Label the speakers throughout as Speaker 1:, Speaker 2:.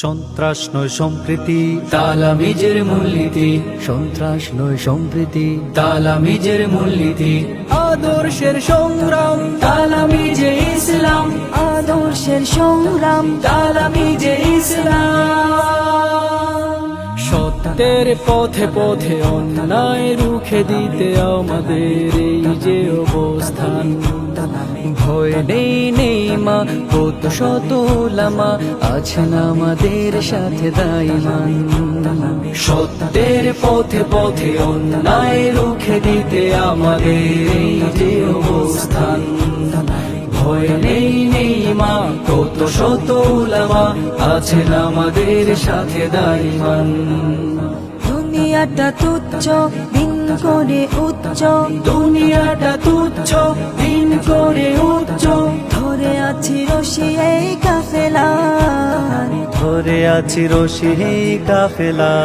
Speaker 1: সন্ত্রাস নয় সম্প্রীতি,
Speaker 2: তালামিজের মূলনীতি,
Speaker 3: সন্ত্রাস নয় সম্প্রীতি,
Speaker 2: তালামিজের মূলনীতি,
Speaker 1: আদর্শের সংগ্রাম,
Speaker 2: তালামিজে ইসলাম,
Speaker 3: আদর্শের সংগ্রাম,
Speaker 2: তালামিজে ইসলাম।
Speaker 1: সত্যের পথে পথে অন্যায় রুখে দিতে আমাদের এই যে অবস্থান।
Speaker 3: ভয় নেই নেই মা, কত শত উলামা আছেন আমাদের সাথে দাইমান।
Speaker 2: সত্যের পথে পথে অন্যায় রুখে দিতে আমাদের এই যে অবস্থান। ভয় নেই নেই মা, কত শত উলামা আছেন আমাদের সাথে দাইমান।
Speaker 3: দুনিয়াটা তুচ্ছ, দিন করে উচ্চ,
Speaker 2: দুনিয়াটা তুচ্ছ, দিন করে উচ্চ,
Speaker 3: ধরে আছি রশি এই কাফেলা,
Speaker 1: ধরে আছি রশি এই কাফেলা।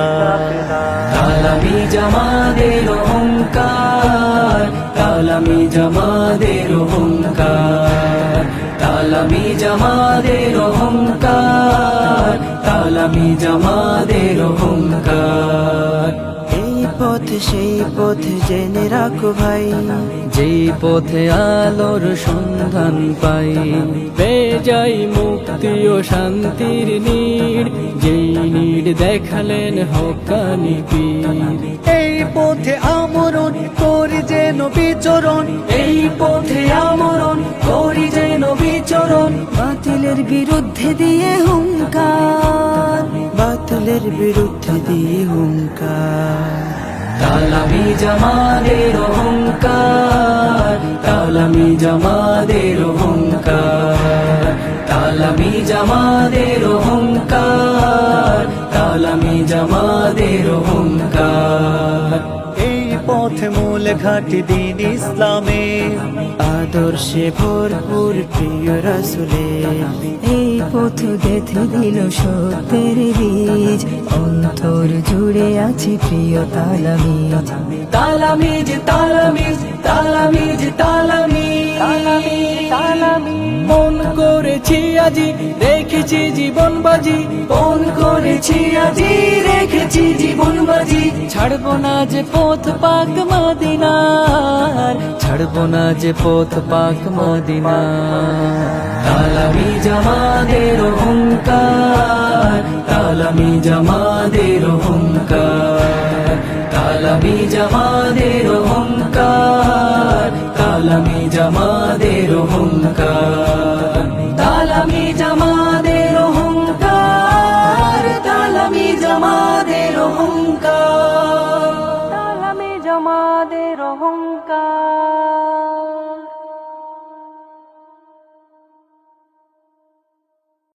Speaker 2: তালামিজ আমাদের অহংকার, তালামিজ আমাদের অহংকার, তালামিজ আমাদের অহংকার, তালামিজ আমাদের অহংকার।
Speaker 3: এই পথ সেই পথ জেনে রাখো ভাই,
Speaker 1: যেই পথে আলোর সন্ধান পাই, পেয়ে যাই মুক্তি ও শান্তির নীড়, যেই নীড় দেখালেন হক্কানি পীর। এই পথে আমরণ করি যেন বিচরণ,
Speaker 2: এই পথে আমরণ করি যেন বিচরণ,
Speaker 3: বাতিলের বিরুদ্ধে দিয়ে হুঙ্কার, বাতিলের বিরুদ্ধে দিয়ে হুঙ্কার।
Speaker 2: তালামিজ আমাদের অহংকার, তালামিজ আমাদের অহংকার, তালামিজ আমাদের অহংকার, তালামিজ আমাদের অহংকার।
Speaker 1: এই পথে মূল ঘাটি দিন ইসলামে,
Speaker 3: আদর্শে ভরপুর প্রিয় রাসূলে, এই পথ গেঁথে দিল সত্যের বীজ, অন্তর জুড়ে আছে প্রিয় তালামিজ।
Speaker 2: তালামিজ তালামিজ তালামিজ তালামিজ,
Speaker 1: মন করেছি আজি রেখেছি জীবন বাজি,
Speaker 2: মন করেছি আজি রেখেছি জীবন বাজি,
Speaker 1: ছাড়বো না যে পথ পাক মদিনার, ছাড়বো না যে পথ পাক মদিনার।
Speaker 2: তালামিজ আমাদের অহংকার, তালামিজ আমাদের অহংকার, তালামিজ আমাদের অহংকার, তালামিজ আমাদের